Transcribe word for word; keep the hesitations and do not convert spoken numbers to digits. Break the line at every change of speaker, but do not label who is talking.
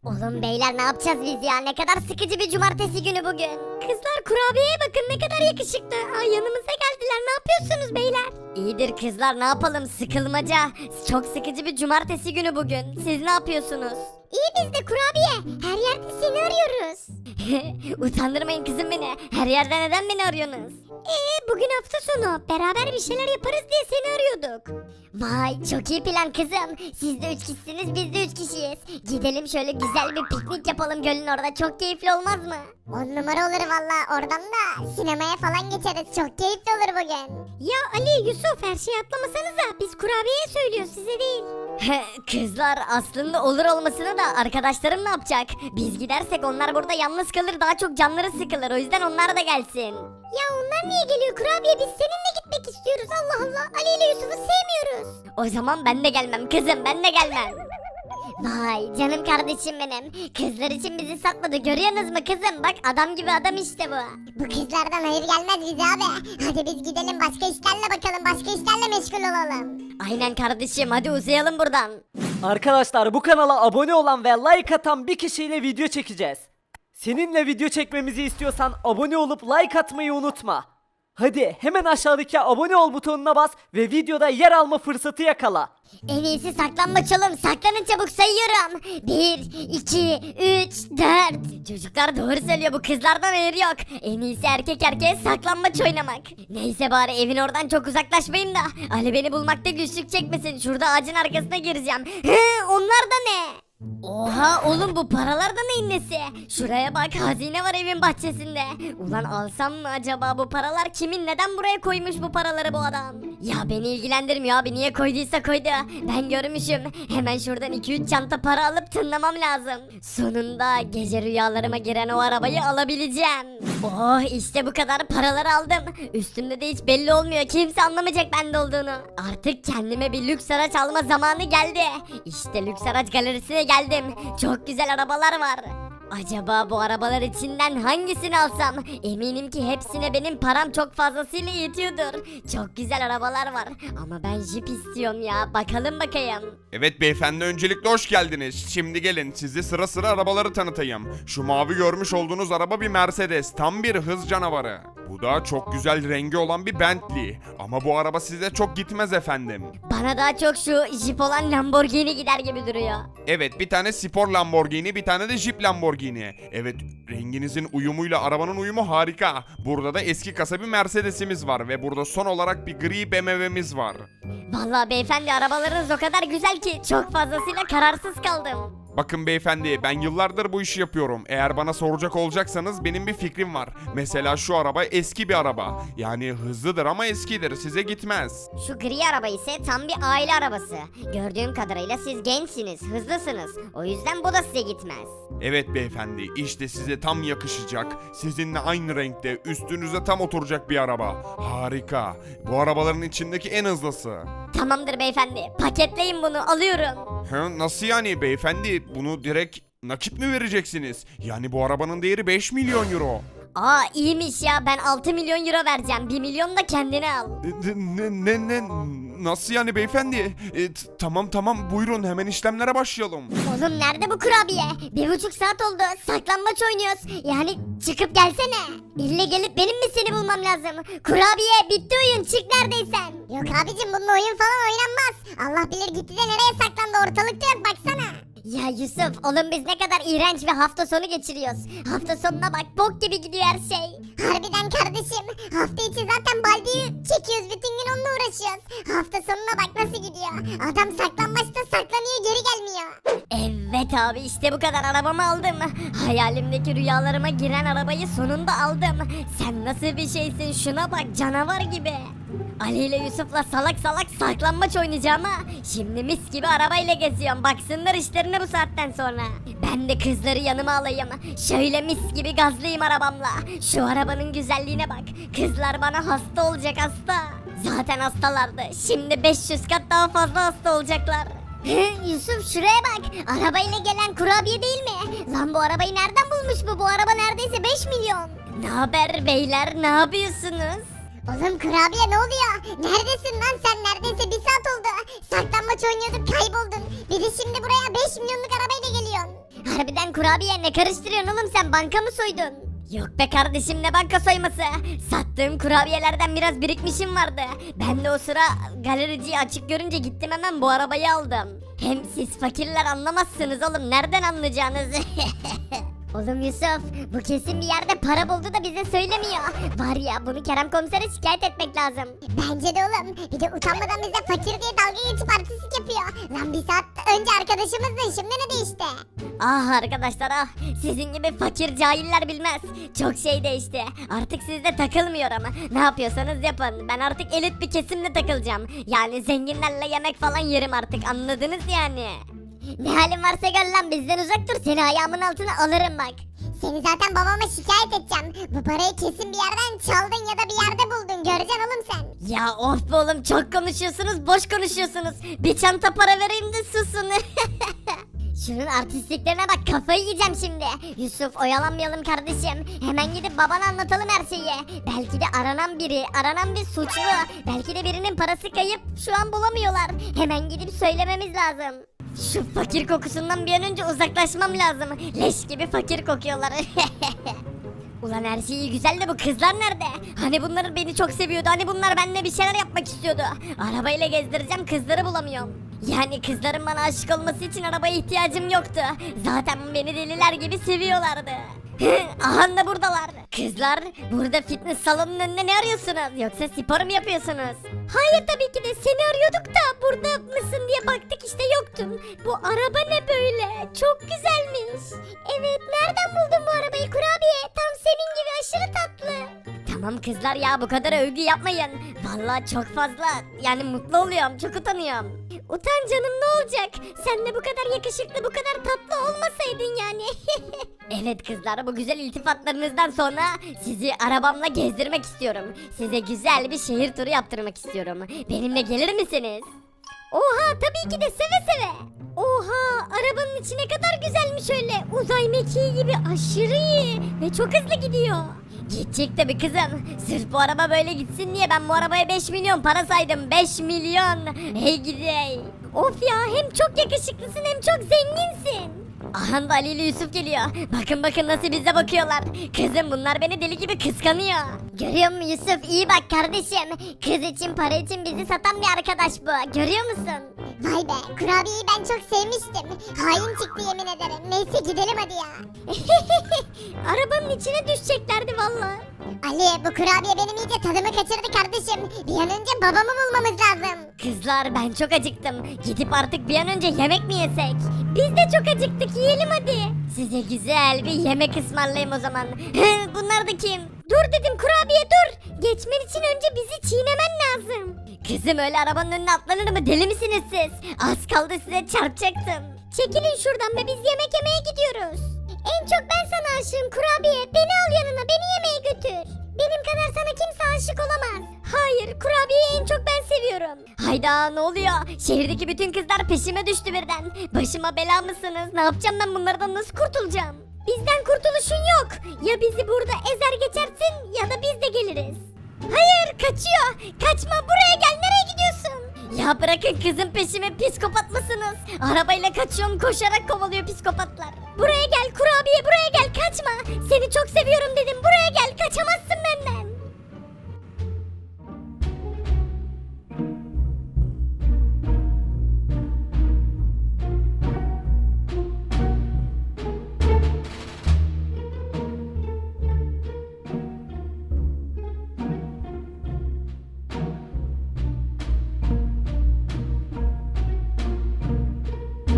Oğlum beyler ne yapacağız biz ya? Ne kadar sıkıcı bir cumartesi günü bugün. Kızlar kurabiyeye bakın ne kadar yakışıklı. Ay yanımıza geldiler. Ne yapıyorsunuz beyler? İyidir kızlar ne yapalım sıkılmaca. Çok sıkıcı bir cumartesi günü bugün. Siz ne yapıyorsunuz? İyi biz de kurabiye. Her yerde seni arıyoruz. Utandırmayın kızım beni. Her yerde neden beni arıyorsunuz? Ee bugün hafta sonu. Beraber bir şeyler yaparız diye seni arıyorduk. Vay çok iyi plan kızım. Siz de üç kişisiniz biz de üç kişiyiz. Gidelim şöyle güzel bir piknik yapalım gölün orada. Çok keyifli olmaz mı? On numara olur valla. Oradan da sinemaya falan geçeriz. Çok keyifli olur bugün. Ya Ali, Yusuf her şeyi atlamasanıza. Biz kurabiyeye söylüyoruz size değil. Kızlar aslında olur olmasına da arkadaşlarım ne yapacak? Biz gidersek onlar burada yalnız kalır daha çok canları sıkılır o yüzden onlar da gelsin. Ya onlar niye geliyor kurabiye biz seninle gitmek istiyoruz Allah Allah Ali ile Yusuf'u sevmiyoruz. O zaman ben de gelmem kızım ben de gelmem. Vay canım kardeşim benim. Kızlar için bizi satmadı görüyorsunuz mu kızım? Bak adam gibi adam işte bu. Bu kızlardan hayır gelmez bize abi. Hadi biz gidelim başka işlerle bakalım. Başka işlerle meşgul olalım. Aynen kardeşim hadi uzayalım buradan.
Arkadaşlar bu kanala abone olan ve like atan bir kişiyle video çekeceğiz. Seninle video çekmemizi istiyorsan abone olup like atmayı unutma. Hadi hemen aşağıdaki abone ol butonuna bas ve videoda yer alma fırsatı yakala.
En iyisi saklanmaç oğlum. Saklanın çabuk sayıyorum. Bir, iki, üç, dört. Çocuklar doğru söylüyor bu kızlardan hayır yok. En iyisi erkek erkeğe saklanmaç oynamak. Neyse bari evin oradan çok uzaklaşmayayım da Ali beni bulmakta güçlük çekmesin. Şurada ağacın arkasına gireceğim. Hı, onlar da ne? Oha oğlum bu paralar da neyin nesi? Şuraya bak hazine var evin bahçesinde. Ulan alsam mı acaba bu paralar kimin neden buraya koymuş bu paraları bu adam? Ya beni ilgilendirmiyor abi niye koyduysa koydu. Ben görmüşüm. Hemen şuradan iki üç çanta para alıp tınlamam lazım. Sonunda gece rüyalarıma giren o arabayı alabileceğim. Oh işte bu kadar paraları aldım. Üstümde de hiç belli olmuyor. Kimse anlamayacak bende olduğunu. Artık kendime bir lüks araç alma zamanı geldi. İşte lüks araç galerisine geldim. Çok güzel arabalar var. Acaba bu arabalar içinden hangisini alsam? Eminim ki hepsine benim param çok fazlasıyla yetiyordur. Çok güzel arabalar var. Ama ben jip istiyorum ya. Bakalım bakayım.
Evet beyefendi öncelikle hoş geldiniz. Şimdi gelin sizi sıra sıra arabaları tanıtayım. Şu mavi görmüş olduğunuz araba bir Mercedes. Tam bir hız canavarı. Bu da çok güzel rengi olan bir Bentley. Ama bu araba size çok gitmez efendim.
Bana daha çok şu jip olan Lamborghini gider gibi duruyor.
Evet bir tane spor Lamborghini bir tane de Jeep Lamborghini. Evet renginizin uyumuyla arabanın uyumu harika. Burada da eski kasa bir Mercedes'imiz var ve burada son olarak bir gri B M W'miz var.
Vallahi beyefendi arabalarınız o kadar güzel ki çok fazlasıyla kararsız kaldım.
Bakın beyefendi ben yıllardır bu işi yapıyorum. Eğer bana soracak olacaksanız benim bir fikrim var. Mesela şu araba eski bir araba. Yani hızlıdır ama eskidir size gitmez.
Şu gri araba ise tam bir aile arabası. Gördüğüm kadarıyla siz gençsiniz, hızlısınız. O yüzden bu da size gitmez.
Evet beyefendi işte size tam yakışacak. Sizinle aynı renkte üstünüze tam oturacak bir araba. Harika. Bu arabaların içindeki en hızlısı.
Tamamdır beyefendi. Paketleyin bunu alıyorum.
He, nasıl yani beyefendi? Bunu direkt nakit mi vereceksiniz? Yani bu arabanın değeri beş milyon euro.
Aa iyiymiş ya ben altı milyon euro vereceğim. bir milyon da kendine al.
Ne ne ne nasıl yani beyefendi? E, t- tamam tamam buyurun hemen işlemlere başlayalım.
Oğlum nerede bu kurabiye? Bir buçuk saat oldu. Saklanmaç oynuyoruz. Yani çıkıp gelsene. İlle gelip benim mi seni bulmam lazım? Kurabiye bitti oyun çık neredeysen. Yok abicim bunun oyun falan oynanmaz. Allah bilir gitti de nereye saklandı ortalıkta yok baksana. Ya Yusuf oğlum biz ne kadar iğrenç bir hafta sonu geçiriyoruz. Hafta sonuna bak bok gibi gidiyor her şey. Harbiden kardeşim. Hafta içi zaten baldeyi çekiyoruz bütün gün onunla uğraşıyoruz. Hafta sonuna bak nasıl gidiyor. Adam saklanmaçta saklanıyor geri gelmiyor. Evet abi işte bu kadar arabamı aldım. Hayalimdeki rüyalarıma giren arabayı sonunda aldım. Sen nasıl bir şeysin şuna bak canavar gibi. Ali ile Yusuf'la salak salak saklanmaç oynayacağım ha. Şimdi mis gibi arabayla geziyorum. Baksınlar işlerine bu saatten sonra. Ben de kızları yanıma alayım. Şöyle mis gibi gazlayayım arabamla. Şu arabanın güzelliğine bak. Kızlar bana hasta olacak hasta. Zaten hastalardı. Şimdi beş yüz kat daha fazla hasta olacaklar. Yusuf şuraya bak. Arabayla gelen kurabiye değil mi? Lan bu arabayı nereden bulmuş bu? Bu araba neredeyse beş milyon. Ne haber beyler? Ne yapıyorsunuz? Oğlum kurabiye ne oluyor? Neredesin lan sen? Neredeyse bir saat oldu. Saklanmaç oynuyorduk kayboldun. Bir de şimdi buraya beş milyonluk arabayla geliyorsun. Harbiden kurabiye ne karıştırıyorsun oğlum sen banka mı soydun? Yok be kardeşim ne banka soyması. Sattığım kurabiyelerden biraz birikmişim vardı. Ben de o sıra galericiyi açık görünce gittim hemen bu arabayı aldım. Hem siz fakirler anlamazsınız oğlum nereden anlayacağınız? Oğlum Yusuf bu kesin bir yerde para buldu da bize söylemiyor. Var ya bunu Kerem komisere şikayet etmek lazım.
Bence de oğlum. Bir de utanmadan bize fakir diye dalga geçip artistlik yapıyor. Lan bir saat önce arkadaşımızdın şimdi ne değişti?
Ah arkadaşlar ah sizin gibi fakir cahiller bilmez. Çok şey değişti. Artık sizde takılmıyor ama. Ne yapıyorsanız yapın. Ben artık elit bir kesimle takılacağım. Yani zenginlerle yemek falan yerim artık anladınız yani. Ne halin varsa gör lan bizden uzak dur seni ayağımın altına alırım bak.
Seni zaten babama şikayet edeceğim. Bu parayı kesin bir yerden çaldın ya da bir yerde buldun. Göreceksin oğlum sen.
Ya of be oğlum çok konuşuyorsunuz boş konuşuyorsunuz. Bir çanta para vereyim de susun. Şunun artistliklerine bak kafayı yiyeceğim şimdi. Yusuf oyalanmayalım kardeşim. Hemen gidip babana anlatalım her şeyi. Belki de aranan biri, aranan bir suçlu. Belki de birinin parası kayıp şu an bulamıyorlar. Hemen gidip söylememiz lazım. Şu fakir kokusundan bir an önce uzaklaşmam lazım. Leş gibi fakir kokuyorlar. Ulan her şey iyi güzel de bu kızlar nerede? Hani bunlar beni çok seviyordu. Hani bunlar benimle bir şeyler yapmak istiyordu. Arabayla gezdireceğim kızları bulamıyorum. Yani kızların bana aşık olması için arabaya ihtiyacım yoktu. Zaten beni deliler gibi seviyorlardı. Aha da buradalar. Kızlar burada fitness salonunun önünde ne arıyorsunuz? Yoksa spor mu yapıyorsunuz? Hayır tabii ki de seni arıyorduk da burada mısın diye baktık işte yoktun. Bu araba ne böyle? Çok güzelmiş. Evet nereden buldun bu arabayı kurabiye? Tam senin gibi aşırı tatlı. Tamam kızlar ya bu kadar övgü yapmayın. Vallahi çok fazla yani mutlu oluyorum çok utanıyorum. Utan canım ne olacak? Sen de bu kadar yakışıklı bu kadar tatlı olmasaydın yani. Evet kızlar bu güzel iltifatlarınızdan sonra sizi arabamla gezdirmek istiyorum. Size güzel bir şehir turu yaptırmak istiyorum. Benimle gelir misiniz? Oha tabii ki de seve seve. Oha arabanın içi ne kadar güzelmiş öyle. Uzay mekiği gibi aşırı iyi ve çok hızlı gidiyor. Gidecek tabii kızım. Sırf bu araba böyle gitsin diye ben bu arabaya beş milyon para saydım. beş milyon. Hey gidey. Of ya hem çok yakışıklısın hem çok zenginsin. Aha da Ali ile Yusuf geliyor. Bakın bakın nasıl bize bakıyorlar. Kızım bunlar beni deli gibi kıskanıyor. Görüyor musun Yusuf? İyi bak kardeşim. Kız için para için bizi satan bir arkadaş bu. Görüyor musun?
Vay be kurabiyeyi ben çok sevmiştim. Hain çıktı yemin ederim. Neyse gidelim hadi ya.
Arabanın içine düşeceklerdi valla.
Ali bu kurabiye benim iyice tadımı kaçırdı kardeşim. Bir an önce babamı bulmamız lazım.
Kızlar ben çok acıktım. Gidip artık bir an önce yemek mi yesek? Biz de çok acıktık yiyelim hadi. Size güzel bir yemek ısmarlayayım o zaman. Bunlar da kim? Dur dedim kurabiye dur. Geçmen için önce bizi çiğnemen lazım. Kızım öyle arabanın önüne atlanır mı deli misiniz siz? Az kaldı size çarpacaktım. Çekilin şuradan be biz yemek yemeye gidiyoruz. En çok ben sana aşığım kurabiye. Beni al yanına beni yemeğe götür. Benim kadar sana kimse aşık olamaz. Hayır kurabiyeyi en çok ben seviyorum. Hayda ne oluyor? Şehirdeki bütün kızlar peşime düştü birden. Başıma bela mısınız? Ne yapacağım ben bunlardan nasıl kurtulacağım? Bizden kurtuluşun yok. Ya bizi burada ezer geçersin ya da biz de geliriz. Hayır kaçıyor. Kaçma buraya gel nereye gidiyorsun? Ya bırakın kızın peşime psikopat mısınız? Arabayla kaçıyorum koşarak kovalıyor psikopatlar. Buraya gel kurabiye buraya gel kaçma. Seni çok seviyorum dedim buraya gel kaçamazsın.